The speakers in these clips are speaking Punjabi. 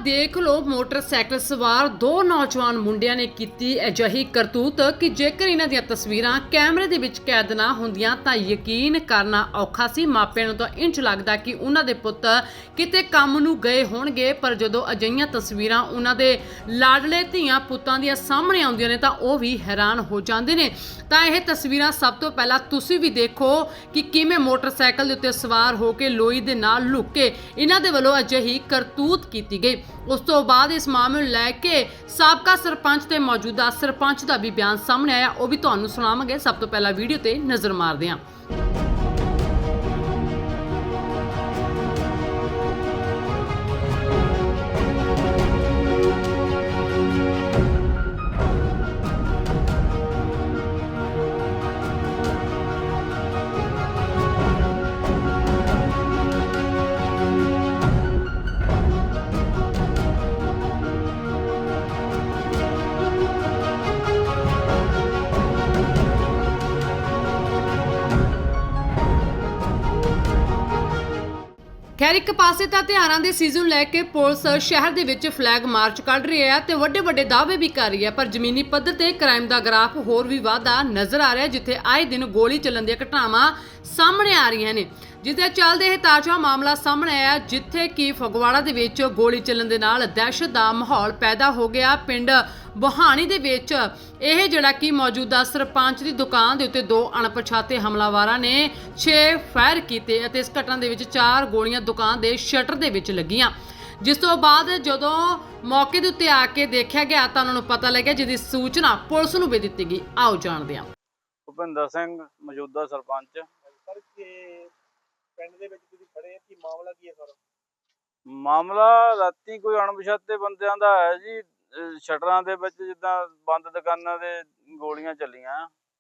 ਦੇਖ ਲਓ, ਮੋਟਰਸਾਈਕਲ ਸਵਾਰ ਦੋ ਨੌਜਵਾਨ ਮੁੰਡਿਆਂ ਨੇ ਕੀਤੀ ਅਜਿਹੀ ਕਰਤੂਤ ਕਿ ਜੇਕਰ ਇਹਨਾਂ ਦੀਆਂ ਤਸਵੀਰਾਂ ਕੈਮਰੇ ਦੇ ਵਿੱਚ ਕੈਦ ਨਾ ਹੁੰਦੀਆਂ ਤਾਂ ਯਕੀਨ ਕਰਨਾ ਔਖਾ ਸੀ। ਮਾਪਿਆਂ ਨੂੰ ਤਾਂ ਇੰਝ ਲੱਗਦਾ ਕਿ ਉਹਨਾਂ ਦੇ ਪੁੱਤ ਕਿਤੇ ਕੰਮ ਨੂੰ ਗਏ ਹੋਣਗੇ, ਪਰ ਜਦੋਂ ਅਜਿਹੀਆਂ ਤਸਵੀਰਾਂ ਉਹਨਾਂ ਦੇ ਲਾਡਲੇ ਧੀਆਂ ਪੁੱਤਾਂ ਦੀਆਂ ਸਾਹਮਣੇ ਆਉਂਦੀਆਂ ਨੇ ਤਾਂ ਉਹ ਵੀ ਹੈਰਾਨ ਹੋ ਜਾਂਦੇ ਨੇ। ਤਾਂ ਇਹ ਤਸਵੀਰਾਂ ਸਭ ਤੋਂ ਪਹਿਲਾਂ ਤੁਸੀਂ ਵੀ ਦੇਖੋ ਕਿ ਕਿਵੇਂ ਮੋਟਰਸਾਈਕਲ ਦੇ ਉੱਤੇ ਸਵਾਰ ਹੋ ਕੇ ਲੋਈ ਦੇ ਨਾਲ ਲੁੱਕ ਕੇ ਇਹਨਾਂ ਦੇ ਵੱਲੋਂ ਅਜਿਹੀ ਕਰਤੂਤ ਕੀਤੀ ਗਈ। ਉਸ ਤੋਂ ਬਾਅਦ ਇਸ ਮਾਮਲੇ ਨੂੰ ਲੈ ਕੇ ਸਾਬਕਾ ਸਰਪੰਚ ਤੇ ਮੌਜੂਦਾ ਸਰਪੰਚ ਦਾ ਵੀ ਬਿਆਨ ਸਾਹਮਣੇ ਆਇਆ, ਉਹ ਵੀ ਤੁਹਾਨੂੰ ਸੁਣਾਵਾਂਗੇ। ਸਭ ਤੋਂ ਪਹਿਲਾਂ ਵੀਡੀਓ ਤੇ ਨਜ਼ਰ ਮਾਰਦੇ ਹਾਂ। ਖੈਰ, ਇੱਕ ਪਾਸੇ ਤਾਂ ਤਿਉਹਾਰਾਂ ਦੇ ਸੀਜ਼ਨ ਨੂੰ ਲੈ ਕੇ ਪੁਲਿਸ ਸ਼ਹਿਰ ਦੇ ਵਿੱਚ ਫਲੈਗ ਮਾਰਚ ਕੱਢ ਰਹੀ ਹੈ ਤੇ ਵੱਡੇ ਵੱਡੇ ਦਾਅਵੇ ਵੀ ਕਰ ਰਹੀ ਹੈ, ਪਰ ਜ਼ਮੀਨੀ ਪੱਧਰ ਤੇ ਕ੍ਰਾਈਮ ਦਾ ਗ੍ਰਾਫ ਹੋਰ ਵੀ ਵਾਧਾ ਨਜ਼ਰ ਆ ਰਿਹਾ, ਜਿੱਥੇ ਆਏ ਦਿਨ ਗੋਲੀ ਚੱਲਣ ਦੀਆਂ ਘਟਨਾਵਾਂ ਸਾਹਮਣੇ ਆ ਰਹੀਆਂ ਨੇ। ਜਿਸਦੇ ਚੱਲਦੇ ਇਹ ਤਾਜ਼ਾ ਮਾਮਲਾ ਸਾਹਮਣੇ ਆਇਆ, ਜਿੱਥੇ ਕਿ ਫਗਵਾੜਾ ਦੇ ਵਿੱਚ ਗੋਲੀ ਚੱਲਣ ਦੇ ਨਾਲ ਦਹਿਸ਼ਤ ਦਾ ਮਾਹੌਲ ਪੈਦਾ ਹੋ ਗਿਆ। ਪਿੰਡ ਬਹਾਣੀ ਦੇ ਵਿੱਚ ਇਹ ਜਿਹੜਾ ਕਿ ਮੌਜੂਦਾ ਸਰਪੰਚ ਦੀ ਦੁਕਾਨ ਦੇ ਉੱਤੇ ਦੋ ਅਣਪਛਾਤੇ ਹਮਲਾਵਰਾਂ ਨੇ 6 ਫਾਇਰ ਕੀਤੇ ਅਤੇ ਇਸ ਘਟਨਾ ਦੇ ਵਿੱਚ 4 ਗੋਲੀਆਂ ਦੁਕਾਨ ਦੇ ਸ਼ਟਰ ਦੇ ਵਿੱਚ ਲੱਗੀਆਂ। ਜਿਸ ਤੋਂ ਬਾਅਦ ਜਦੋਂ ਮੌਕੇ ਦੇ ਉੱਤੇ ਆ ਕੇ ਦੇਖਿਆ ਗਿਆ ਤਾਂ ਉਹਨਾਂ ਨੂੰ ਪਤਾ ਲੱਗਿਆ, ਜਿਹਦੀ ਸੂਚਨਾ ਪੁਲਿਸ ਨੂੰ ਵੀ ਦਿੱਤੀ ਗਈ। ਆਓ ਜਾਣਦੇ ਹਾਂ। ਭੁਪਿੰਦਰ ਸਿੰਘ ਮੌਜੂਦਾ ਸਰਪੰਚ। ਸਰ, ਕਿ ਪਿੰਡ ਦੇ ਵਿੱਚ ਤੁਸੀਂ ਖੜੇ ਆ, ਕੀ ਮਾਮਲਾ ਕੀ ਹੈ ਸਰ? ਮਾਮਲਾ ਰਾਤੀ ਕੋਈ ਅਣਪਛਾਤੇ ਬੰਦਿਆਂ ਦਾ ਹੈ ਜੀ, ਸ਼ਟਰਾਂ ਦੇ ਵਿੱਚ ਜਿੱਦਾਂ ਬੰਦ ਦੁਕਾਨਾਂ ਦੇ ਗੋਲੀਆਂ ਚੱਲੀਆਂ।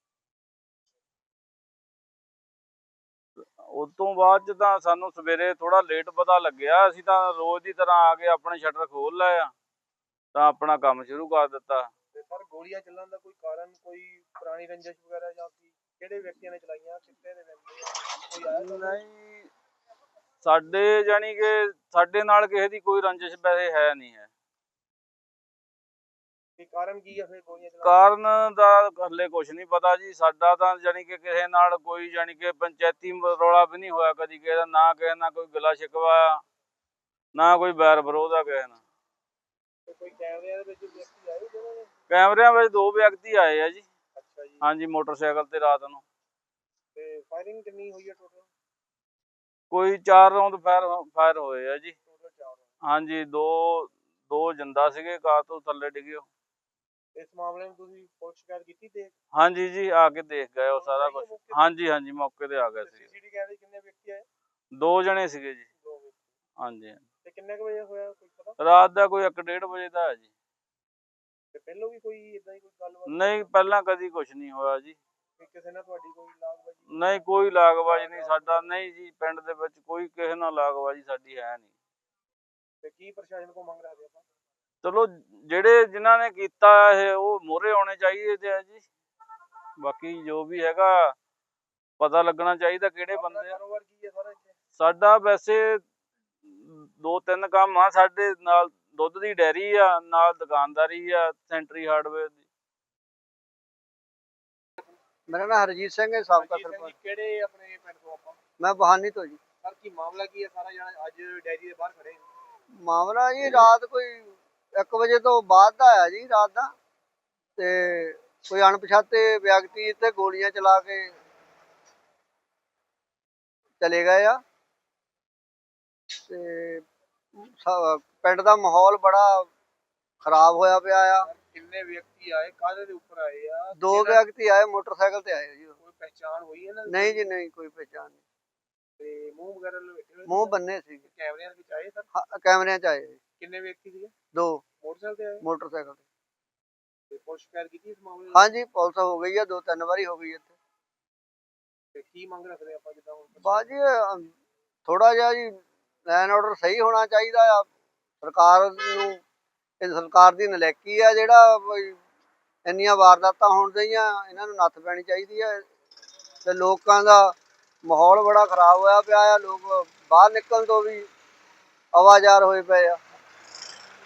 ਉਸ ਤੋਂ ਬਾਅਦ ਚ ਤਾਂ ਸਾਨੂੰ ਸਵੇਰੇ ਥੋੜਾ ਲੇਟ ਪਤਾ ਲੱਗਿਆ। ਅਸੀਂ ਤਾਂ ਰੋਜ਼ ਦੀ ਤਰ੍ਹਾਂ ਆ ਕੇ ਆਪਣੇ ਸ਼ਟਰ ਖੋਲ ਲਏ ਆ ਤਾਂ ਆਪਣਾ ਕੰਮ ਸ਼ੁਰੂ ਕਰ ਦਿੱਤਾ। ਤੇ ਸਰ, ਗੋਲੀਆਂ ਚੱਲਣ ਦਾ ਕੋਈ ਕਾਰਨ, ਕੋਈ ਪੁਰਾਣੀ ਰੰਜਿਸ਼ ਵਗੈਰਾ ਜਾਂ ਕਿਹੜੇ ਵਿਅਕਤੀਆਂ ਨੇ ਚਲਾਈਆਂ, ਕਿੱਥੇ ਦੇ ਬੰਦੇ ਕੋਈ ਆਇਆ? ਨਹੀਂ, ਸਾਡੇ ਜਾਨੀ ਕਿ ਸਾਡੇ ਨਾਲ ਕਿਸੇ ਦੀ ਕੋਈ ਰੰਜਿਸ਼ ਵੈਸੇ ਹੈ ਨਹੀਂ ਹੈ। ਕਾਰਨ ਕੀ ਆ ਫਿਰ ਗੋਲੀਆਂ ਚਲਾਉਣ ਕਾਰਨ ਦਾ ਹਲੇ ਕੁਝ ਨਹੀਂ ਪਤਾ ਜੀ। ਸਾਡਾ ਤਾਂ ਜਾਨੀ ਕਿ ਕਿਸੇ ਨਾਲ ਕੋਈ ਜਾਨੀ ਕਿ ਪੰਚਾਇਤੀ ਰੌਲਾ ਵੀ ਨਹੀਂ ਹੋਇਆ ਕਦੀ ਕਿਸੇ ਦਾ, ਨਾ ਕਿਸੇ ਨਾਲ ਕੋਈ ਗਿਲਾ ਸ਼ਿਕਵਾ, ਨਾ ਕੋਈ ਬੈਰ ਵਿਰੋਧ ਆ ਕਿਸੇ ਨਾਲ। ਤੇ ਕੋਈ ਕੈਮਰਿਆਂ ਦੇ ਵਿੱਚ ਵਿਅਕਤੀ ਆਏ ਜਿਹਨਾਂ ਨੇ? ਕੈਮਰਿਆਂ ਵਿੱਚ 2 ਵਿਅਕਤੀ ਆਏ ਆ ਜੀ। ਅੱਛਾ ਜੀ। ਹਾਂਜੀ, ਮੋਟਰਸਾਈਕਲ ਤੇ ਰਾਤ ਨੂੰ। ਤੇ ਫਾਇਰਿੰਗ ਕਿੰਨੀ ਹੋਈ ਹੈ ਟੋਟਲ? ਕੋਈ 4 ਰਾਉਂਡ ਫਾਇਰ ਹੋਏ ਆ ਜੀ। ਟੋਟਲ 4। ਹਾਂਜੀ, ਦੋ ਜਿੰਦਾ ਸੀਗੇ, ਕਾਰ ਤੋਂ ਥੱਲੇ ਡਿੱਗੇ। ਇਸ ਮਾਮਲੇ ਨੂੰ ਤੁਸੀਂ ਪੁਲਿਸ ਸ਼ਿਕਾਇਤ ਕੀਤੀ ਤੇ? ਹਾਂਜੀ ਜੀ, ਆ ਕੇ ਦੇਖ ਗਏ ਉਹ ਸਾਰਾ ਕੁਝ। ਹਾਂਜੀ, ਮੌਕੇ ਤੇ ਆ ਗਏ ਸੀ। ਸੀਸੀਟੀਵੀ ਕੈਮਰੇ ਕਿੰਨੇ ਵਿਅਕਤੀ ਆਏ? 2 ਜਣੇ ਸੀਗੇ ਜੀ। 2 ਵਿਅਕਤੀ। ਹਾਂਜੀ। ਤੇ ਕਿੰਨੇ ਕੁ ਵਜੇ ਹੋਇਆ, ਕੋਈ ਪਤਾ? ਰਾਤ ਦਾ ਕੋਈ 1-1:30 ਵਜੇ ਦਾ ਹੈ ਜੀ। ਤੇ ਪਹਿਲਾਂ ਵੀ ਕੋਈ ਇਦਾਂ ਹੀ ਕੋਈ ਗੱਲਬਾਤ? ਨਹੀਂ, ਪਹਿਲਾਂ ਕਦੀ ਕੁਝ ਨਹੀਂ ਹੋਇਆ ਜੀ। ਕਿਸੇ ਨਾਲ ਤੁਹਾਡੀ ਕੋਈ ਲਾਗਬਾਜ਼ੀ? ਨਹੀਂ, ਕੋਈ ਲਾਗਬਾਜ਼ੀ ਨਹੀਂ ਸਾਡਾ। ਨਹੀਂ ਜੀ, ਪਿੰਡ ਦੇ ਵਿੱਚ ਕੋਈ ਕਿਸੇ ਨਾਲ ਲਾਗਬਾਜ਼ੀ ਸਾਡੀ ਹੈ ਨਹੀਂ। ਤੇ ਕੀ ਪ੍ਰਸ਼ਾਸਨ ਕੋਲ ਮੰਗ ਰੱਖਦੇ ਆਪਾਂ? ਚਲੋ, ਜਿਹੜੇ ਜਿਨ੍ਹਾਂ ਨੇ ਕੀਤਾ ਇਹ ਉਹ ਮੋਹਰੇ ਆਉਣੇ ਚਾਹੀਦੇ ਆ ਜੀ। ਬਾਕੀ ਜੋ ਵੀ ਹੈਗਾ ਪਤਾ ਲੱਗਣਾ ਚਾਹੀਦਾ ਕਿਹੜੇ ਬੰਦੇ ਆ। ਕਾਰੋਬਾਰ ਕੀ ਹੈ ਸਾਰਾ ਇੱਥੇ? ਸਾਡਾ ਵੈਸੇ 2-3 ਕੰਮ ਆ ਸਾਡੇ ਨਾਲ। ਦੁੱਧ ਦੀ ਡੈਰੀ ਆ, ਨਾਲ ਦੁਕਾਨਦਾਰੀ ਆ, ਸੈਂਟਰੀ ਹਾਰਡਵੇਅਰ ਦੀ। ਮੇਰਾ ਨਾਮ ਹਰਜੀਤ ਸਿੰਘ ਹੈ, ਸਾਬਕਾ ਹਰਜੀਤ ਸਿੰਘ ਸਰਪੰਚ। ਜੀ, ਕਿਹੜੇ ਆਪਣੇ ਪਿੰਡ ਤੋਂ ਆਪਾਂ? ਮੈਂ ਬਹਾਨੀ ਤੋਂ ਜੀ। ਸਰ, ਕੀ ਮਾਮਲਾ ਕੀ ਹੈ ਸਾਰਾ ਜਿਹੜਾ ਅੱਜ ਡੈਰੀ ਦੇ ਬਾਹਰ ਖੜੇ? ਮਾਮਲਾ ਜੀ ਰਾਤ ਕੋਈ 1 ਵਜੇ ਤੋਂ ਬਾਅਦ ਦਾ ਆਇਆ ਜੀ, ਰਾਤ ਦਾ। ਤੇ ਕੋਈ ਅਣਪਛਾਤੇ ਵਿਅਕਤੀ ਇੱਥੇ ਗੋਲੀਆਂ ਚਲਾ ਕੇ ਚਲੇ ਗਏ ਆ ਤੇ ਪਿੰਡ ਦਾ ਮਾਹੌਲ ਬੜਾ ਖਰਾਬ ਹੋਇਆ ਪਿਆ ਆ। ਕਿੰਨੇ ਵਿਅਕਤੀ ਆਏ, ਕਾਹਦੇ ਦੇ ਉੱਪਰ ਆਏ ਆ? 2 ਵਿਅਕਤੀ ਆਏ, ਮੋਟਰਸਾਈਕਲ ਤੇ ਆਏ ਜੀ। ਕੋਈ ਪਹਿਚਾਣ ਹੋਈ ਇਹਨਾਂ ਦੀ? ਨਹੀਂ ਜੀ, ਨਹੀਂ ਕੋਈ ਪਹਿਚਾਣ ਨਹੀਂ। ਤੇ ਮੂੰਹ ਵਗੈਰਾ ਲਪੇਟੇ ਹੋਏ? ਮੂੰਹ ਬੰਨੇ ਸੀ। ਕੈਮਰਿਆਂ ਦੇ ਵਿੱਚ ਆਏ ਸਰ? ਕੈਮਰਿਆਂ 'ਚ ਆਏ ਜੀ। ਕਿੰਨੇ ਵਿਅਕਤੀ ਸੀਗੇ? 2 ਮੋਟਰਸਾਈਕਲ ਤੇ ਆਏ? ਮੋਟਰਸਾਈਕਲ ਤੇ। ਤੇ ਪੁਲਿਸ ਸ਼ਿਕਾਇਤ ਕੀਤੀ ਇਸ ਮਾਮਲੇ ਦੀ? ਹਾਂਜੀ, ਪੁਲਿਸ ਹੋ ਗਈ ਆ, 2-3 ਵਾਰੀ ਹੋ ਗਈ ਇੱਥੇ। ਤੇ ਕੀ ਮੰਗ ਰੱਖਦੇ ਆਪਾਂ ਜਿੱਦਾਂ ਹੁਣ? ਬਾਜੀ ਥੋੜਾ ਜਿਹਾ ਜੀ ਲਾਈਨ ਆਰਡਰ ਸਹੀ ਹੋਣਾ ਚਾਹੀਦਾ ਆ। ਸਰਕਾਰ ਨੂੰ, ਇਹ ਸਰਕਾਰ ਦੀ ਨਲਾਇਕੀ ਆ ਜਿਹੜਾ ਇੰਨੀਆਂ ਵਾਰਦਾਤਾਂ ਹੋਣ ਦਈਆਂ, ਇਹਨਾਂ ਨੂੰ ਨੱਥ ਪੈਣੀ ਚਾਹੀਦੀ ਹੈ। ਤੇ ਲੋਕਾਂ ਦਾ ਮਾਹੌਲ ਬੜਾ ਖਰਾਬ ਹੋਇਆ ਪਿਆ ਆ। ਲੋਕ ਬਾਹਰ ਨਿਕਲਣ ਤੋਂ ਵੀ ਆਵਾਜ਼ਾਰ ਹੋਏ ਪਏ ਆ।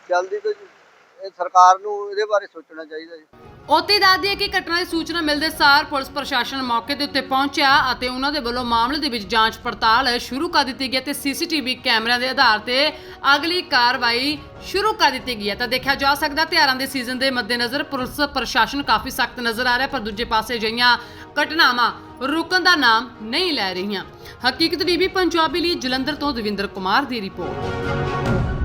ਜਲਦੀ ਤੋਂ ਇਹ ਸਰਕਾਰ ਨੂੰ ਇਹਦੇ ਬਾਰੇ ਸੋਚਣਾ ਚਾਹੀਦਾ ਜੀ। ਉੱਥੇ ਦੱਸ ਦਈਏ ਕਿ ਘਟਨਾ ਦੀ ਸੂਚਨਾ ਮਿਲਦੇ ਸਾਰ ਪੁਲਿਸ ਪ੍ਰਸ਼ਾਸਨ ਮੌਕੇ ਦੇ ਉੱਤੇ ਪਹੁੰਚਿਆ ਅਤੇ ਉਹਨਾਂ ਦੇ ਵੱਲੋਂ ਮਾਮਲੇ ਦੇ ਵਿੱਚ ਜਾਂਚ ਪੜਤਾਲ ਸ਼ੁਰੂ ਕਰ ਦਿੱਤੀ ਗਈ ਤੇ ਸੀਸੀਟੀਵੀ ਕੈਮਰਿਆਂ ਦੇ ਆਧਾਰ ਤੇ ਅਗਲੀ ਕਾਰਵਾਈ ਸ਼ੁਰੂ ਕਰ ਦਿੱਤੀ ਗਈ ਹੈ। ਤਾਂ ਦੇਖਿਆ ਜਾ ਸਕਦਾ ਤਿਉਹਾਰਾਂ ਦੇ ਸੀਜ਼ਨ ਦੇ ਮੱਦੇਨਜ਼ਰ ਪੁਲਿਸ ਪ੍ਰਸ਼ਾਸਨ ਕਾਫੀ ਸਖਤ ਨਜ਼ਰ ਆ ਰਿਹਾ, ਪਰ ਦੂਜੇ ਪਾਸੇ ਅਜਿਹੀਆਂ ਘਟਨਾਵਾਂ ਰੁਕਣ ਦਾ ਨਾਮ ਨਹੀਂ ਲੈ ਰਹੀਆਂ। ਹਕੀਕਤ ਟੀਵੀ ਪੰਜਾਬੀ ਲਈ ਜਲੰਧਰ ਤੋਂ ਦਵਿੰਦਰ ਕੁਮਾਰ ਦੀ ਰਿਪੋਰਟ।